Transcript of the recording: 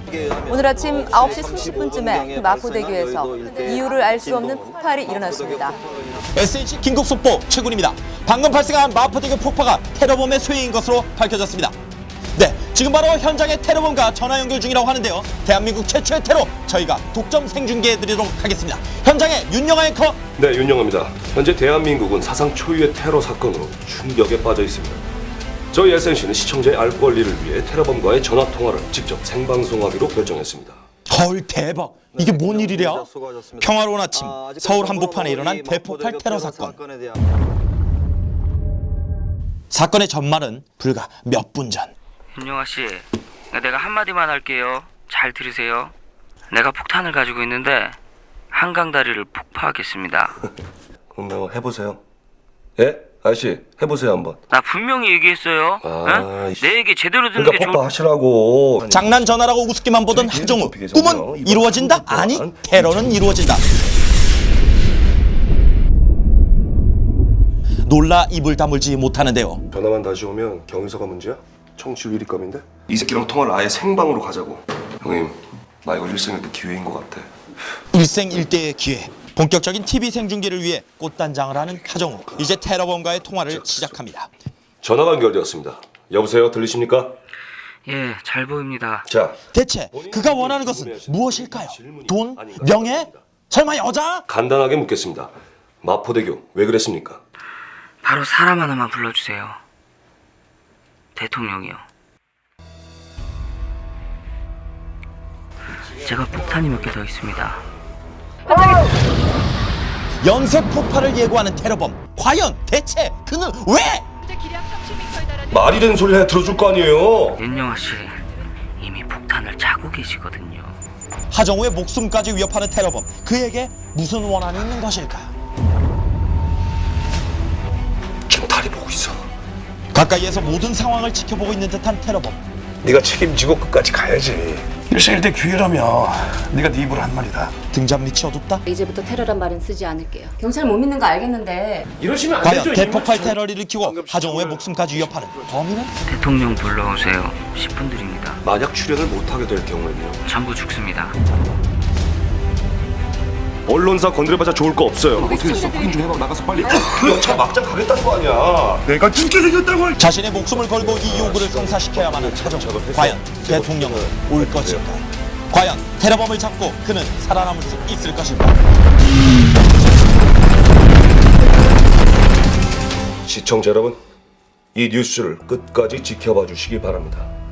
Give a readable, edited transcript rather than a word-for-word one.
오늘 아침 9시 30분쯤에 마포대교에서 이유를 알 수 없는 폭발이 일어났습니다. SNC 긴급속보 최군입니다. 방금 발생한 마포대교 폭파가 테러범의 소행인 것으로 밝혀졌습니다. 네, 지금 바로 현장의 테러범과 전화 연결 중이라고 하는데요. 대한민국 최초의 테러 저희가 독점 생중계해드리도록 하겠습니다. 현장에 윤영아 앵커. 네, 윤영아입니다. 현재 대한민국은 사상 초유의 테러 사건으로 충격에 빠져 있습니다. 저희 SNC는 시청자의 알 권리를 위해 테러범과의 전화 통화를 직접 생방송하기로 결정했습니다. 헐, 대박. 이게 뭔 일이랴? 평화로운 아침, 서울 한복판에 일어난 대폭발 테러 사건. 사건의 전말은 불과 몇 분 전. 윤영아 씨, 내가 한마디만 할게요. 잘 들으세요. 내가 폭탄을 가지고 있는데 한강 다리를 폭파하겠습니다. 그럼 해보세요. 예? 아저씨, 해보세요 한번. 나 분명히 얘기했어요. 응? 내 얘기 제대로 듣는 그러니까 게 폭파하시라고. 장난 전화라고 우습기만 보던 하정우. 꿈은 이루어진다? 아니, 테러는 이루어진다. 놀라 입을 다물지 못하는데요. 전화만 다시 오면 경위서가 문제야? 청취율 1위감인데? 이 새끼랑 통화를 아예 생방으로 가자고. 형님, 나 이거 일생일대 기회인 것 같아. 일생일대의 기회. 본격적인 TV 생중계를 위해 꽃단장을 하는 하정우. 이제 테러범과의 통화를 시작합니다. 전화가 연결되었습니다. 여보세요, 들리십니까? 예, 잘 보입니다. 자, 대체 그가 원하는 것은 무엇일까요? 돈? 명예? 설마 여자? 간단하게 묻겠습니다. 마포대교 왜 그랬습니까? 바로 사람 하나만 불러주세요. 대통령이요. 제가 폭탄이 몇 개 더 있습니다. 연쇄 폭발을 예고하는 테러범. 과연 대체 그는 왜? 말이 되는 소리 해야 들어줄 거 아니에요. 윤영아 씨, 이미 폭탄을 차고 계시거든요. 하정우의 목숨까지 위협하는 테러범. 그에게 무슨 원한이 있는 것일까? 지금 다리 보고 있어. 가까이에서 모든 상황을 지켜보고 있는 듯한 테러범. 네가 책임지고 끝까지 가야지. 일생일대 기회라며 네가 네 입으로 한 말이다. 등잔 밑이 어둡다? 이제부터 테러란 말은 쓰지 않을게요. 경찰 못 믿는 거 알겠는데 이러시면 안 과연 되죠. 대폭발 테러를 일으키고 하정우의 목숨까지 위협하는 범인은? 대통령 불러오세요. 10분 드립니다. 만약 출연을 못하게 될 경우에는요. 전부 죽습니다. 언론사 건드려봐자 좋을 거 없어요. 어떻게 했어? 확인 좀 해봐. 나가서 빨리. 그 연차 막장 가겠다는 거 아니야. 내가 죽게 생겼다고. 자신의 목숨을 걸고 이 요구를 성사시켜야만 하는 하정우. 과연 대통령은 올 것일까? 과연 테러범을 잡고 그는 살아남을 수 있을 것일까? 시청자 여러분, 이 뉴스를 끝까지 지켜봐 주시기 바랍니다.